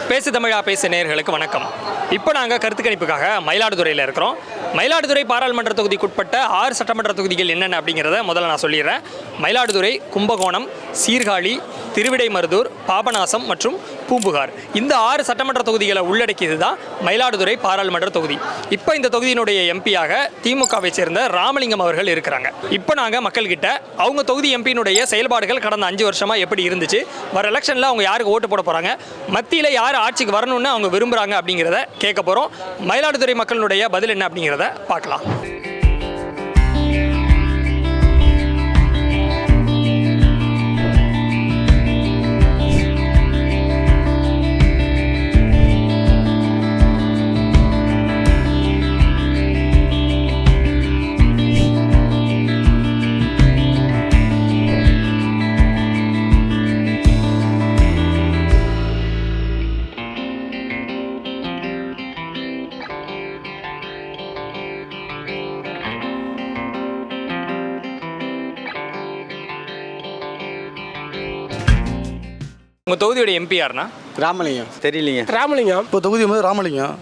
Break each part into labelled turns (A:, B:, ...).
A: பேசு தமிழா பேசு நேயர்களுக்கு வணக்கம். இப்போ நாங்கள் கருத்து கணிப்புக்காக மயிலாடுதுறையில் இருக்கிறோம். மயிலாடுதுறை பாராளுமன்ற தொகுதிக்குட்பட்ட 6 சட்டமன்ற தொகுதிகள் என்னென்ன அப்படிங்கிறத முதல்ல நான் சொல்லிடுறேன். மயிலாடுதுறை, கும்பகோணம், சீர்காழி, திருவிடைமருதூர், பாபநாசம் மற்றும் பூம்புகார். இந்த 6 சட்டமன்ற தொகுதிகளை உள்ளடக்கியது தான் மயிலாடுதுறை பாராளுமன்ற தொகுதி. இப்போ இந்த தொகுதியினுடைய எம்பியாக திமுகவை சேர்ந்த ராமலிங்கம் அவர்கள் இருக்கிறாங்க. இப்போ நாங்கள் மக்கள்கிட்ட அவங்க தொகுதி எம்பியினுடைய செயல்பாடுகள் கடந்த 5 வருஷமாக எப்படி இருந்துச்சு, வர எலெக்ஷனில் அவங்க யாருக்கு ஓட்டு போட போகிறாங்க, மத்தியில் யார் ஆட்சிக்கு வரணும்னு அவங்க விரும்புகிறாங்க அப்படிங்கிறத கேட்க போகிறோம். மயிலாடுதுறை மக்களுடைய பதில் என்ன அப்படிங்கிறத பார்க்கலாம். உங்கள் தொகுதியோட எம்பி யாருன்னா?
B: ராமலிங்கம்.
C: தெரியலீங்க.
B: ராமலிங்கம்.
D: இப்போ தொகுதி வந்து ராமலிங்கம்.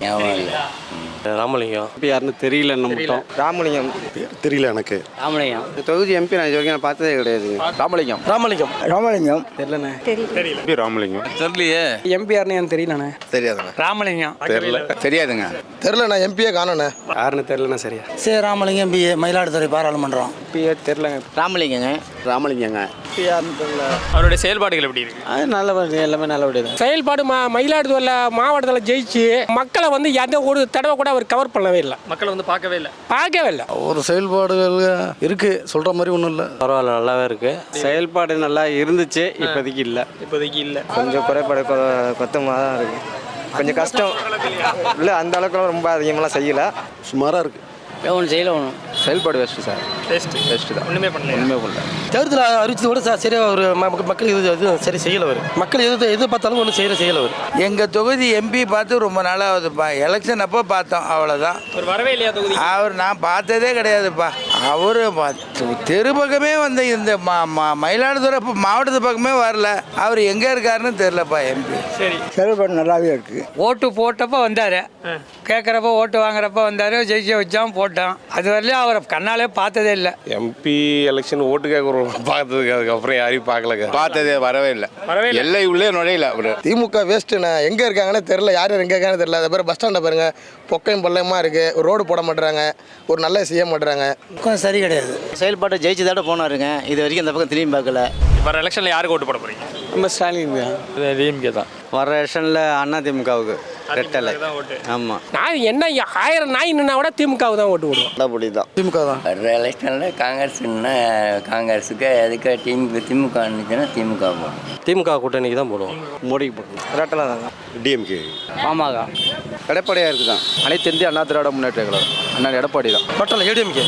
C: ராமலிங்கம்
B: இப்போ யாருன்னு தெரியல. மட்டும்
C: ராமலிங்கம்
D: தெரியல எனக்கு.
C: ராமலிங்கம் தொகுதி எம்பி நான் இது வரைக்கும் நான் பார்த்ததே கிடையாது.
B: ராமலிங்கம்.
D: ராமலிங்கம்.
B: ராமலிங்கம் தெரியலண்ணே.
A: தெரியல.
C: ராமலிங்கம்
B: தெரியலையே. எம்பி யாருன்னு எனக்கு தெரியலண்ணே.
C: தெரியாதுங்க.
B: ராமலிங்கம்
C: தெரியல. தெரியாதுங்க.
D: தெரியல, நான் எம்பியே காணோண்ணே.
B: யாருன்னு தெரியலண்ணா. சரியா
E: சரி, ராமலிங்கம் பிஏ மயிலாடுதுறை பாராளுமன்றம்.
B: பிஏ தெரியலங்க.
C: ராமலிங்கங்க. ராமலிங்கங்க.
B: யாருன்னு தெரியல.
A: அவருடைய செயல்பாடுகள் எப்படி இருக்கு?
B: அது நல்லபடி, எல்லாமே நல்லபடியா.
F: செயல்பாடு மயிலாடுதுறையில் மாவட்டத்தில் ஜெயிச்சு மக்களை வந்து எந்த ஒரு தடவை கூட அவர் கவர் பண்ணவே இல்லை.
A: மக்களை வந்து பார்க்கவே இல்லை.
D: ஒரு செயல்பாடுகள் இருக்கு, சொல்ற மாதிரி ஒன்றும் இல்லை.
C: பரவாயில்ல, நல்லாவே இருக்கு.
B: செயல்பாடு நல்லா இருந்துச்சு. இப்போதைக்கு இல்லை.
C: கொஞ்சம் குறைபாடு கொத்தமாக தான் இருக்கு. கொஞ்சம் கஷ்டம் இல்லை, அந்த அளவுக்கு ரொம்ப அதிகமாக செய்யலை.
D: சுமாராக இருக்கு.
E: ஒன்று செய்யல ஒன்று
C: செயல்பாடு வேஸ்ட்டு சார்.
A: பெஸ்ட் தான். ஒன்றுமே பண்ணல.
D: தேர்தல் அறிவிச்சது கூட சரியாக ஒரு மக்கள் எதுவும் சரி செய்யலை. அவர் மக்கள் எது பார்த்தாலும் ஒன்றும் செய்யலை. அவர்
E: எங்கள் தொகுதி எம்பி பார்த்து ரொம்ப நாளாகுதுப்பா. எலெக்ஷன் அப்போ பார்த்தோம், அவ்வளோதான்.
A: ஒரு வரவே இல்லையா தொகுதி?
E: அவர் நான் பார்த்ததே கிடையாதுப்பா. அவர் தெரு பக்கமே வந்து இந்த மயிலாடுதுறை மாவட்டத்து பக்கமே வரல. அவர் எங்கே இருக்காருன்னு தெரிலப்பா எம்பி.
A: சரி,
E: செயல்பாடு நல்லாவே இருக்குது.
F: ஓட்டு போட்டப்போ வந்தார், கேட்குறப்ப ஓட்டு வாங்குறப்ப வந்தார், ஜெயிச்சு வச்சான் போட்டான். அது வரலையும் அவரை கண்ணாலே பார்த்ததே இல்லை.
G: எம்பி எலெக்ஷன் ஓட்டு கேட்குறோம் பார்த்ததுக்கு, அதுக்கப்புறம் யாரையும் பார்க்கலங்க.
C: பார்த்ததே வரவே இல்லை. எல்லை உள்ளே நுழையில. அவர்
D: திமுக வேஸ்ட்டுண்ணே. எங்கே இருக்காங்கன்னு தெரியல, யார் எங்கே இருக்காங்கன்னு தெரியல. அதை பேர் பஸ் ஸ்டாண்டை பாருங்க, பொக்கையும் பள்ளமாக இருக்குது. ஒரு ரோடு போட மாட்டுறாங்க, ஒரு நல்ல செய்ய மாட்டுறாங்க.
E: கொஞ்சம் சரி கிடையாது.
H: செயல்பாட்டை ஜெயிச்சதோட போனாருங்க. இது வரைக்கும் இந்த பக்கம் திரும்பி பார்க்கல.
A: வர எலெக்ஷனில் யாருக்கு ஓட்டு போட போகிறீங்க?
B: நம்ம ஸ்டாலின் டிஎம்கே தான்.
C: வர எலெக்ஷனில் அண்ணா திமுகவுக்கு ரெட்டலை. ஆமாம்.
F: நான் என்ன 1000 நாய் நின்னா கூட திமுகவுக்கு தான் ஓட்டு போடுவோம்.
C: அப்படி தான்.
D: திமுக தான்.
H: வர்ற எலெக்ஷனில் காங்கிரஸ்னா காங்கிரஸுக்கு, அதுக்கு திமுக இருந்துச்சுன்னா திமுக போடும்.
C: திமுக கூட்டணிக்கு தான் போடுவோம்.
B: மோடிக்கு போடுவோம்.
C: ரெட்டலை தாங்க.
G: டிஎம்கே.
E: ஆமாங்க.
C: எடப்பாடியாக இருக்குதான்.
B: அனைத்து இந்திய அண்ணா திராவிட முன்னேற்ற கழகம். அண்ணா எடப்பாடி தான்.
D: பட்டல ஏடிஎம்கே.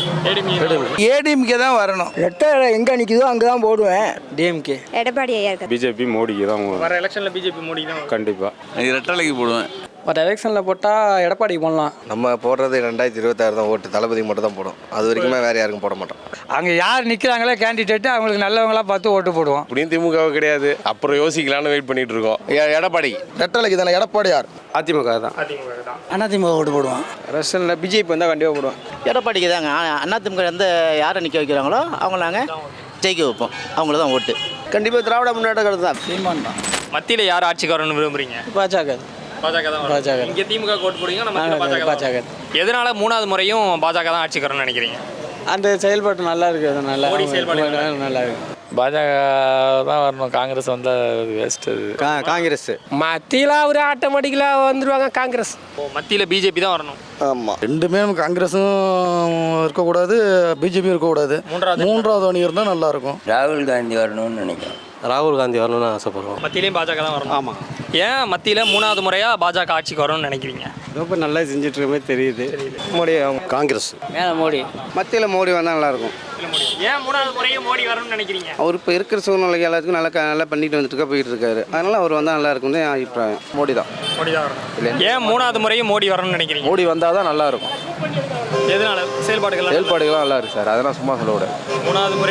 E: ஏடிஎம்கே தான் வரணும்.
F: ரெட்டை எங்கே நிற்கிதோ அங்கே தான் போடுவேன்.
E: டிஎம்கே.
I: எடப்பாடி ஐயா இருக்காரு.
G: பிஜேபி மோடிக்கு தான்.
A: வர எலெக்ஷனில் பிஜேபி மோடி தான்.
G: கண்டிப்பாக
C: ரெட்டலைக்கு போடுவேன்.
B: பட் எலெக்ஷனில் போட்டால் எடப்பாடிக்கு போடலாம்.
C: நம்ம போடுறது 2026 தான் ஓட்டு. தளபதிக்கு மட்டும் தான் போடும். அது வரைக்குமே வேறு யாருக்கும் போட மாட்டோம்.
F: அங்கே யார் நிற்கிறாங்களோ கேண்டிடேட்டு அவங்களுக்கு நல்லவங்களா பார்த்து ஓட்டு போடுவோம்.
G: அப்படியும் திமுக கிடையாது, அப்புறம் யோசிக்கலான்னு வெயிட் பண்ணிட்டு இருக்கோம்.
C: எடப்பாடி.
D: ரெட்டலைக்கு தானே. எடப்பாடியார்.
B: அதிமுக தான்.
E: அதிமுக ஓட்டு போடுவோம்.
B: எலெக்ஷனில் பிஜேபி வந்தால் கண்டிப்பாக போடுவோம்.
H: எடப்பாடிக்கு தாங்க. அதிமுக எந்த யாரை நிற்க வைக்கிறாங்களோ அவங்கள நாங்கள் ஜெயிக்க வைப்போம். அவங்கள தான் ஓட்டு.
C: கண்டிப்பாக திராவிட முன்னேற்ற கழகம் தான்.
E: சீமான் தான்.
A: மத்தியில் யார் ஆட்சிக்கு வரணும்னு விரும்புறீங்க?
B: பாஜக.
A: பாஜக தான். இங்கே திமுக ஓட்டு போடுவீங்க, நம்ம பாஜக. எதனால 3வது முறையும் பாஜக தான் ஆட்சிக்கு வரணும்னு நினைக்கிறீங்க?
B: அந்த செயல்பாட்டு நல்லா இருக்குது. அது நல்லா
A: மோடி செயல்பாடு
B: நல்லா இருக்குது.
J: பாஜக தான் வரணும். காங்கிரஸ் வந்தால் வேஸ்ட். அது
C: காங்கிரஸ்.
F: மத்தியில் அவர் ஆட்டோமேட்டிக்கலாக வந்துடுவாங்க காங்கிரஸ்.
A: மத்தியில் பிஜேபி தான் வரணும்.
D: ஆமாம், ரெண்டுமே நம்ம காங்கிரஸும் இருக்கக்கூடாது, பிஜேபியும் இருக்கக்கூடாது. மூன்றாவது அணி இருந்தால் நல்லாயிருக்கும்.
H: ராகுல் காந்தி வரணும்னு நினைக்கிறேன்.
C: ராகுல் காந்தி வரணும்னு ஆசைப்படுறோம்.
A: மத்தியிலையும் பாஜக தான் வரணும்.
B: ஆமாம்.
A: ஏன் மத்தியில் 3வது முறையாக பாஜக ஆட்சிக்கு வரணும்னு நினைக்கிறீங்க?
B: ரொம்ப நல்லா செஞ்சுட்டு இருக்க மாதிரி தெரியுது.
C: மோடி. காங்கிரஸ்.
E: மேலே மோடி.
C: மத்தியில் மோடி வந்தால் நல்லாயிருக்கும்.
A: ஏன் 3வது முறையும் மோடி வரணும்னு நினைக்கிறீங்க?
C: அவர் இப்போ இருக்கிற சூழ்நிலைக்கு எல்லாத்துக்கும் நல்லா பண்ணிட்டு வந்துட்டு போயிட்டு இருக்காரு. அதனால அவர் வந்தால் நல்லா இருக்கும் தான் அபிப்பிராயம். மோடி தான்.
A: மோடி தான் வரணும். ஏன் 3வது முறையும் மோடி வரணும்னு நினைக்கிறீங்க?
B: மோடி வந்தால் தான் நல்லா இருக்கும்.
A: எதனால? செயல்பாடுகள்
B: நல்லா இருக்கு சார். அதெல்லாம் சும்மா சொல்ல விட.
A: 3வது முறையும்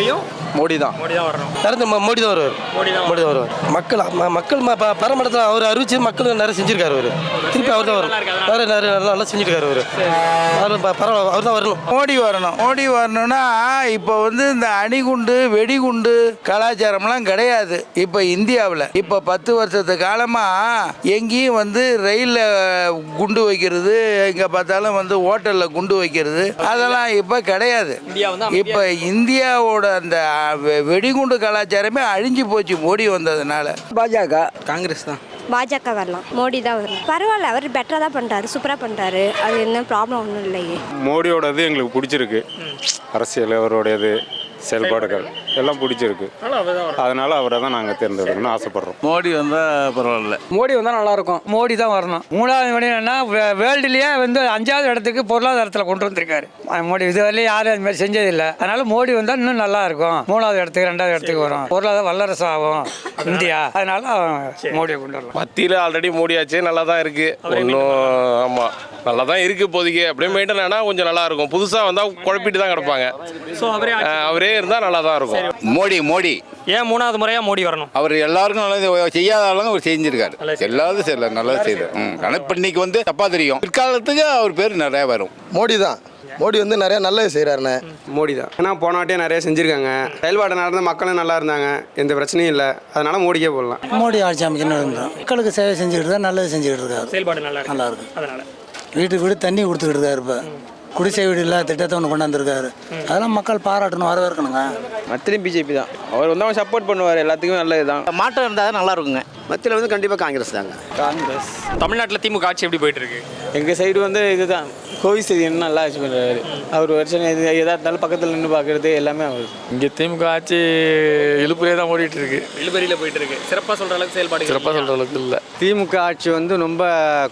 B: மோடி தான்.
A: மோடி தான் வரணும்.
F: மோடி தான் வருவார். மோடி தான் வருவார். மக்கள் பரமடத்தில் அவர் அறிவிச்சு மக்கள் நிறைய செஞ்சிருக்காரு. அவர் திருப்பி அவர் தான் வரும். நிறைய நல்லா செஞ்சிருக்காரு. அவர் பரவாயில்ல, அவர் தான் வரணும்.
E: மோடி வரணும். மோடி வரணும்னா இப்போ வந்து இந்த அணிகுண்டு வெடிகுண்டு கலாச்சாரம்லாம் கிடையாது இப்போ இந்தியாவில். இப்போ 10 வருஷத்து காலமாக எங்கேயும் வந்து ரயிலில் குண்டு வைக்கிறது, எங்கே பார்த்தாலும் வந்து ஹோட்டலில் குண்டு வைக்கிறது, அதெல்லாம் இப்போ கிடையாது. இப்போ இந்தியாவோட அந்த வெடிகுண்டு கலாச்சாரமே அழிஞ்சு போச்சு மோடி வந்ததுனால.
C: பாஜக, காங்கிரஸ் தான்.
I: பாஜக வரலாம், மோடி தான் வரணும். பரவாயில்ல, அவர் பெட்டராக தான் பண்ணுறாரு, சூப்பராக பண்ணுறாரு. அது என்ன ப்ராப்ளம் ஒன்றும் இல்லையே.
G: மோடியோடது எங்களுக்கு பிடிச்சிருக்கு. அரசியல் அவருடையது செயல்பாடுகள் எல்லாம் பிடிச்சிருக்கு. அதனால அவரை தான் நாங்கள் தேர்ந்தெடுக்கணும்னு ஆசைப்படுறோம்.
B: மோடி வந்தால் பரவாயில்ல.
F: மோடி வந்தால் நல்லாயிருக்கும். மோடி தான் வரணும். 3வது மணி என்னன்னா வேர்ல்டுலேயே வந்து 5வது இடத்துக்கு பொருளாதாரத்தில் கொண்டு வந்திருக்காரு மோடி. இதுவரையிலும் யாரும் அது மாதிரி செஞ்சதில்லை. அதனால மோடி வந்தால் இன்னும் நல்லா இருக்கும். 3வது இடத்துக்கு 2வது இடத்துக்கு வரும். பொருளாதார வல்லரசு ஆகும் இந்தியா. அதனால மோடியை கொண்டு வரலாம்.
G: மத்தியில் ஆல்ரெடி மோடியாச்சு, நல்லா தான் இருக்குது. ஒன்றும் ஆமாம் நல்லா தான் இருக்குது இப்போதைக்கு. அப்படியே மெயின்டைன் ஆனால் கொஞ்சம் நல்லா இருக்கும். புதுசாக வந்தால் குழப்பிட்டு தான் கிடப்பாங்க.
A: ஸோ
G: அவரே இருந்தால் நல்லா தான் இருக்கும்.
B: மோடி
A: ஏன் 3வது முறையாக மோடி வரணும்?
B: அவர் எல்லாருக்கும் நல்லது செய்யாத ஆளுங்க அவர் செஞ்சிருக்காரு. எல்லாரும் செய்யல, நல்லது செய்தார். ஆனால் இப்போ இன்னைக்கு வந்து தப்பா தெரியும். பிற்காலத்துக்கு அவர் பேர் நிறைய வரும்.
D: மோடி தான். மோடி வந்து நிறைய நல்லது செய்கிறாருண்ணே.
B: மோடி தான். ஏன்னா போன வாட்டியே நிறைய செஞ்சுருக்காங்க. செயல்பாடு நடந்த மக்களும் நல்லா இருந்தாங்க, எந்த பிரச்சனையும் இல்லை. அதனால மோடிக்கே போடலாம்.
F: மோடி ஆட்சி அமைக்கணும். மக்களுக்கு சேவை செஞ்சுக்கிட்டு தான் நல்லது செஞ்சுக்கிட்டு இருக்காரு.
A: செயல்பாடு நல்லா
F: இருக்கு.
A: அதனால
F: வீட்டுக்கு வீடு தண்ணி கொடுத்துக்கிட்டு இருக்காரு. இப்போ குடிசை வீடு இல்லாத திட்டத்தை ஒன்று கொண்டாந்துருக்காரு. அதெல்லாம் மக்கள் பாராட்டணும், வரவேற்கணுங்க.
C: மத்தியிலும் பிஜேபி தான். அவர் வந்து அவங்க சப்போர்ட் பண்ணுவார். எல்லாத்துக்குமே நல்லது தான்.
H: மாற்றம் இருந்தால் தான் நல்லா இருக்குங்க.
C: மத்தியில் வந்து கண்டிப்பாக காங்கிரஸ் தாங்க. காங்கிரஸ்.
A: தமிழ்நாட்டில் திமுக ஆட்சி எப்படி போயிட்டு இருக்கு?
C: எங்கள் சைடு வந்து இதுதான் கோவிசெழியன் நல்லா ஆட்சி பண்ணுறாரு. அவர் வருஷம் எதாக இருந்தாலும் பக்கத்தில் நின்று பார்க்குறது எல்லாமே அவர்.
J: இங்கே திமுக ஆட்சி இழுப்புலே தான் ஓடிட்டு இருக்கு.
A: இழுபறியில் போயிட்டு இருக்கு. சிறப்பாக சொல்கிற அளவுக்கு செயல்பாடு
J: சிறப்பாக சொல்கிற அளவுக்கு இல்லை.
B: திமுக ஆட்சி வந்து ரொம்ப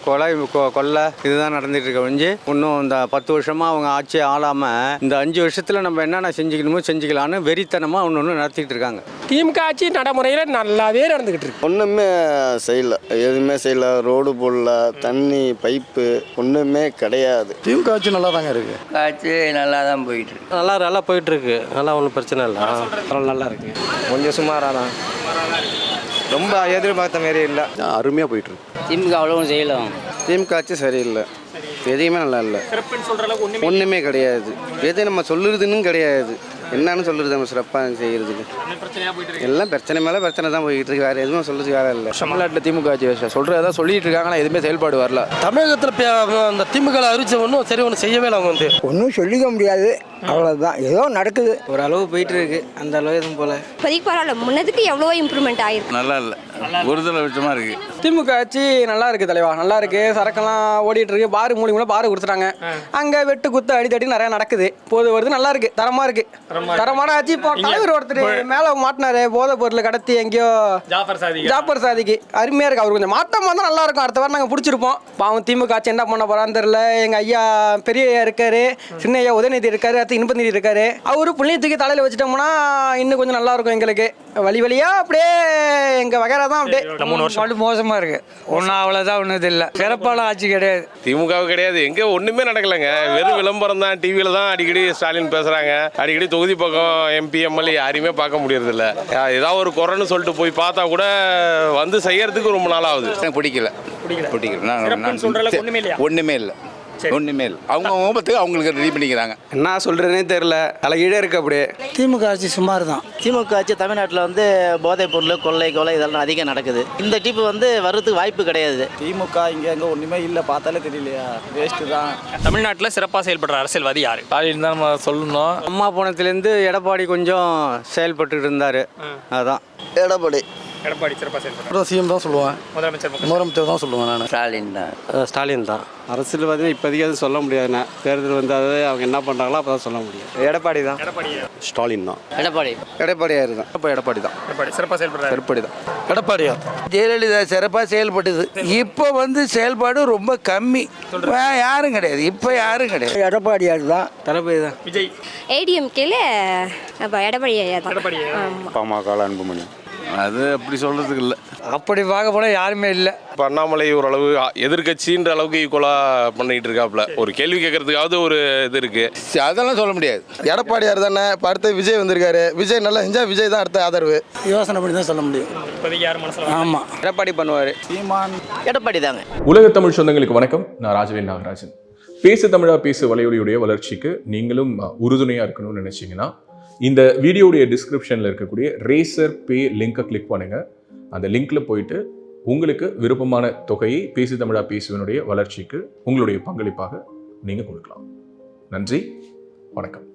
B: கொலை இதுதான் நடந்துட்டு இருக்க ஒழிஞ்சு இன்னும் இந்த 10 வருஷமாக அவங்க ஆட்சி ஆளாமல் இந்த 5 வருஷத்தில் நம்ம என்னென்ன செஞ்சுக்கணுமோ செஞ்சுக்கலான்னு வெறித்தனமாக ஒன்று நடத்திட்டு இருக்காங்க.
F: திமுக ஆட்சி நடைமுறையில் நல்லாவே நடந்துக்கிட்டு இருக்கு.
C: ஒன்றுமே செய்யல, எதுவுமே செய்யல. ரோடு போடல, தண்ணி பைப்பு ஒன்றுமே கிடையாது.
D: திமுக ஆட்சி நல்லா தாங்க இருக்கு.
H: ஆட்சி நல்லா தான் போயிட்டு இருக்கு.
C: நல்லா போயிட்டு இருக்கு. நல்லா ஒன்றும் பிரச்சனை இல்லை. நல்லா இருக்கு. கொஞ்சம் சுமாராக தான். ரொம்ப எதிர்பார்த்த மாரி இல்லை.
B: அருமையாக போயிட்டு இருக்கு.
H: திமுக அவ்வளோவும் செய்யலாம்.
C: திமுக ஆட்சி சரியில்லை. எதையுமே நல்லா இல்லை. ஒன்றுமே கிடையாது. எது நம்ம சொல்லுறதுன்னு கிடையாது. என்னன்னு சொல்லுறது நம்ம சிறப்பாக செய்கிறதுக்கு எல்லாம் பிரச்சனை மேலே பிரச்சனை தான் போய்கிட்டு இருக்கு. வேறு எதுவும் சொல்லுறதுக்கு வேலை இல்லை.
B: தமிழ்நாட்டில் திமுக ஆட்சி சொல்கிறதா சொல்லிட்டு இருக்காங்க. ஆனால் எதுவுமே செயல்பாடு வரல.
F: தமிழகத்தில் அந்த திமுக அறிவிச்ச ஒன்றும் சரி ஒன்றும் செய்யவே இல்லை. அவங்க வந்து
C: ஒன்றும் சொல்லிக்க முடியாது. அவ்வளோதான், ஏதோ நடக்குது. ஒரு அளவு போயிட்டு இருக்கு. அந்த அளவு எதுவும் போல
I: இப்போதைக்கு பரவாயில்ல. முன்னதுக்கு எவ்வளோ இம்ப்ரூவ்மெண்ட் ஆயிருக்கு.
B: நல்லா இல்லை, ஒருதலை விஷயமா இருக்கு.
C: திமுக ஆட்சி நல்லா இருக்கு தலைவா, நல்லா இருக்கு. சரக்கெல்லாம் ஓடிட்டு இருக்கு. பாரு மூலியமா பாரு கொடுத்துட்டாங்க. அங்கே வெட்டு குத்து அடித்தடி நிறைய நடக்குது. போது வருது, நல்லா இருக்கு, தரமா இருக்கு. தரமான ஆட்சி. இப்போ தலைவர் ஒருத்தர் மேலே மாட்டினாரு, போதை பொருள் கடத்தி எங்கேயோ ஜாஃபர் சாதிக்கு. அருமையா இருக்கு. அவர் கொஞ்சம் மாற்றமா தான் நல்லா இருக்கும். அடுத்த வாரம் நாங்கள் பிடிச்சிருப்போம். பாவம் திமுக ஆட்சி என்ன பண்ண போறான்னு தெரியல. எங்க ஐயா பெரிய ஐயா இருக்காரு, சின்ன ஐயா உதயநிதி இருக்காரு, இன்பநிதி இருக்காரு. அவரு புண்ணியத்துக்கு தலையில வச்சுட்டோம்னா இன்னும் கொஞ்சம் நல்லா இருக்கும். எங்களுக்கு வழியா அப்படியே எங்க வகைரா தான் அப்படியே
A: 3 வருஷம்
F: மோசமா இருக்கு. ஒன்னும் அவ்வளவுதான், ஒன்றும் இல்லை. சிறப்பான ஆட்சி கிடையாது.
G: திமுக கிடையாது. எங்கே ஒன்றுமே நடக்கலைங்க. வெறும் விளம்பரம் தான். டிவியில் தான் அடிக்கடி ஸ்டாலின் பேசுகிறாங்க. அடிக்கடி தொகுதி பக்கம் எம்பி எம்எல்ஏ யாரையுமே பார்க்க முடியறதில்ல. ஏதாவது ஒரு குறைன்னு சொல்லிட்டு போய் பார்த்தா கூட வந்து செய்யறதுக்கு ரொம்ப நாள் ஆகுது.
B: பிடிக்கல. ஒன்றுமே இல்லை.
K: ஒன்றுமே இல்லை. அவங்க முகத்துக்கு அவங்களுக்கு ரெடி பண்ணிக்கிறாங்க.
B: என்ன சொல்கிறதுனே தெரில, தலைகீழே இருக்கு. அப்படியே
F: திமுக ஆட்சி சுமார் தான்.
H: திமுக ஆட்சி தமிழ்நாட்டில் வந்து போதைப் பொருள், கொள்ளை இதெல்லாம் அதிகம் நடக்குது. இந்த டிப்பு வந்து வர்றதுக்கு வாய்ப்பு கிடையாது.
C: திமுக இங்கே எங்கே ஒன்றுமே இல்லை, பார்த்தாலே தெரியலையா, வேஸ்ட்டு தான்.
A: தமிழ்நாட்டில் சிறப்பாக செயல்படுற அரசியல்வாதி யார்?
J: ஸ்டாலின் தான் நம்ம சொல்லணும்.
B: அம்மா போனதுலேருந்து எடப்பாடி கொஞ்சம் செயல்பட்டு இருந்தார். அதான்
C: எடப்பாடி
A: சிறப்பாக செயல்படுற
F: சிஎம் தான் சொல்லுவேன்.
A: முதலமைச்சர்
F: தான் சொல்லுவேன் நான்.
B: ஸ்டாலின் தான். அரசியல்வாதி இப்போதைக்கு அது சொல்ல முடியாதுண்ணே. தேர்தல் வந்து அதை அவங்க என்ன பண்ணுறாங்களோ அப்போ தான் சொல்ல முடியும். எடப்பாடி தான்.
K: ஸ்டாலின் தான்.
B: எடப்பாடியார் தான். இப்போ எடப்பாடி தான்.
A: சிறப்பாக செயல்படுற
B: எடப்பாடி தான்.
F: எடப்பாடியா?
E: ஜெயலலிதா சிறப்பாக செயல்பட்டது. இப்போ வந்து செயல்பாடு ரொம்ப கம்மி. யாரும் கிடையாது. இப்போ யாரும் கிடையாது.
C: எடப்பாடியார் தான். தளபதி தான்.
A: விஜய்
I: ஏடிஎம்கேல எடப்பாடி ஐயா தான்.
G: பாமக அன்புமணி.
K: அது அப்படி சொல்கிறதுக்கு இல்லை.
F: அப்படி பார்க்க போனால் யாருமே இல்லை.
G: இப்போ அண்ணாமலை ஓரளவு எதிர்கட்சின்ற அளவுக்கு ஈக்குவலாக பண்ணிட்டு இருக்காப்புல. ஒரு கேள்வி கேட்கறதுக்காவது ஒரு இது இருக்கு.
K: அதெல்லாம் சொல்ல முடியாது.
D: எடப்பாடியார் தானே, இப்போ அடுத்து விஜய் வந்திருக்காரு. விஜய் நல்லா செஞ்சால் விஜய் தான் அடுத்த ஆதரவு.
C: யோசனை பண்ணி தான் சொல்ல முடியும்.
A: இப்போதைக்கு யார் மனசில்
C: ஆமாம்,
B: எடப்பாடி பண்ணுவார்.
H: எடப்பாடி தாங்க.
L: உலக தமிழ் சொந்தங்களுக்கு வணக்கம். நான் ராஜவேல் நாகராஜன். பேசு தமிழா பேசு வலையொலியுடைய வளர்ச்சிக்கு நீங்களும் உறுதுணையாக இருக்கணும்னு நினச்சிங்கன்னா இந்த வீடியோடைய டிஸ்கிரிப்ஷனில் இருக்கக்கூடிய ரேசர் பே லிங்கை கிளிக் பண்ணுங்கள். அந்த லிங்க்ல போயிட்டு உங்களுக்கு விருப்பமான தொகையை பேசு தமிழா பேசுவனுடைய வளர்ச்சிக்கு உங்களுடைய பங்களிப்பாக நீங்கள் கொடுக்கலாம். நன்றி, வணக்கம்.